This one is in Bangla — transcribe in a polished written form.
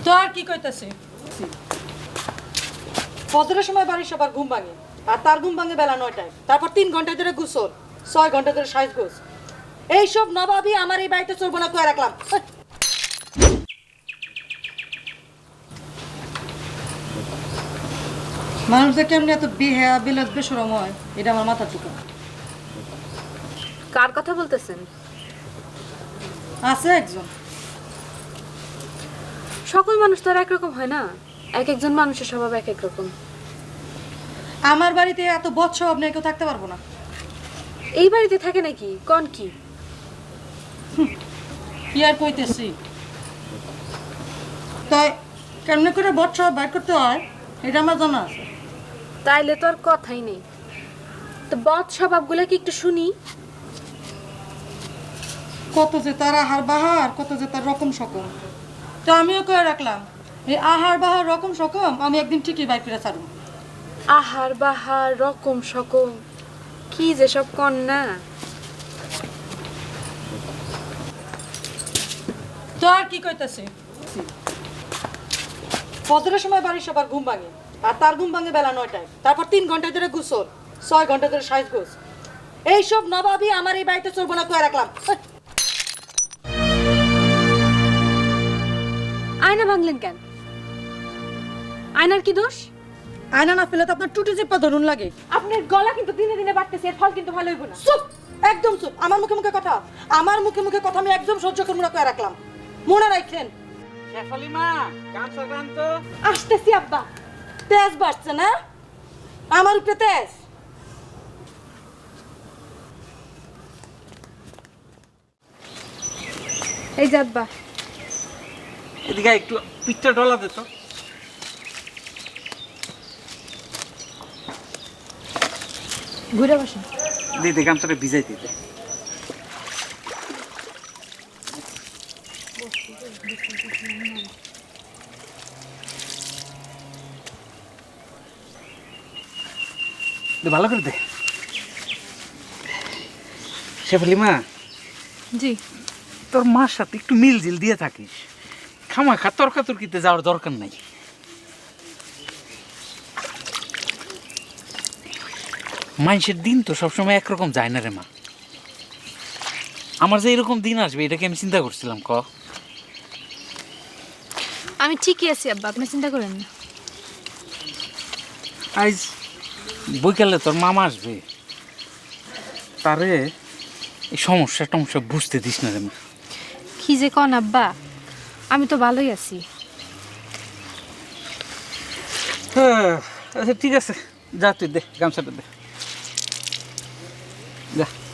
তো আর কি কইতাছি ফজরের সময় বাড়ির সবার ঘুম ভাঙে আর তার ঘুম ভাঙে বেলা 9টায় তারপর 3 ঘন্টা ধরে গোসল 6 ঘন্টা ধরে সাজগোজ এইসব নবাবই আমার এই বাড়িতে চলবো না কয়ে রাখলাম মানুষদের কেমনি এত বিহেয়া বিলাস বেশরম হয় এটা আমার মাথা চুকা কার কথা বলতেছেন? আছে একজন সকল মানুষ তো আর একরকম হয় না, এক একজন মানুষের স্বভাব এক এক রকম। আমার বাড়িতে এত বৎসব নিয়ে কেউ থাকতে পারবো না এই বাড়িতে থাকে নাকি? কোন কি কি আর কইতেছি তাই কেমনে করে বৎসব বাইর করতে হয় এটা আমার জানা আছে তাইলে তো আর কথাই নেই। তো বদ স্বভাবগুলো কি একটু শুনি। কত যে তার আহার বাহার কত যে তার রকম সকম তো আমিও করে রাখলাম এই আহার বাহার রকম সকম আমি একদিন ঠিকই বাইর করে ছাড়ব আহার বাহার রকম সকম কি যে সব কন্যা। তো আর কি কইতাছি ফজরের সময় বাড়ির সবার ঘুম ভাঙে আর তার ঘুম ভাঙে বেলা 9টায় তারপর 3 ঘন্টা ধরে গোসল 6 ঘন্টা ধরে সাজগোজ এইসব নবাবই আমার এই বাড়িতে চলবো না কয়ে রাখলাম আয়না ভাঙলেন কেন? আয়নার কি দোষ? আয়না না ফেলে তো আপনার টুটি চেপা ধরুন লাগে আপনার গলা কিন্তু দিনে দিনে বাড়তেছে, এর ফল কিন্তু ভালো হইব না। চুপ একদম চুপ আমার মুখে মুখে কথা আমার মুখে মুখে কথা আমি একদম সহ্য করবো না কয়ে রাখলাম মনে রাখেন শেফালিমা গামছা টান তো। আসতেছি আব্বা। তেজ বাড়ছে না আমার উপরে তেজ এই যে আব্বা। এদিকে একটু পিঠটা ডলা দে তো। ঘুরে বসেন। দিদি গামছাটা ভিজাই দিতে। ভালো করে দে। শেফালিমা জি তোর মার সাথে একটু মিলজিল দিয়ে থাকিস, খামাখা তর্কাতর্কিতে যাওয়ার দরকার নাই। মানুষের দিন তো সবসময় একরকম যায় না রে মা। আমার যে এরকম দিন আসবে এটাকে আমি চিন্তা করছিলাম ক। আমি ঠিকই আছি আব্বা, আপনি চিন্তা করেন না। আজ বৈকালে তোর মামা আসবে, তারে এই সমস্যা টমস্যা বুঝতে দিস না রে মা। কি যে কন আব্বা, আমি তো ভালোই আছি। আচ্ছা ঠিক আছে, যা তুই দে গামছাটা দে, যা।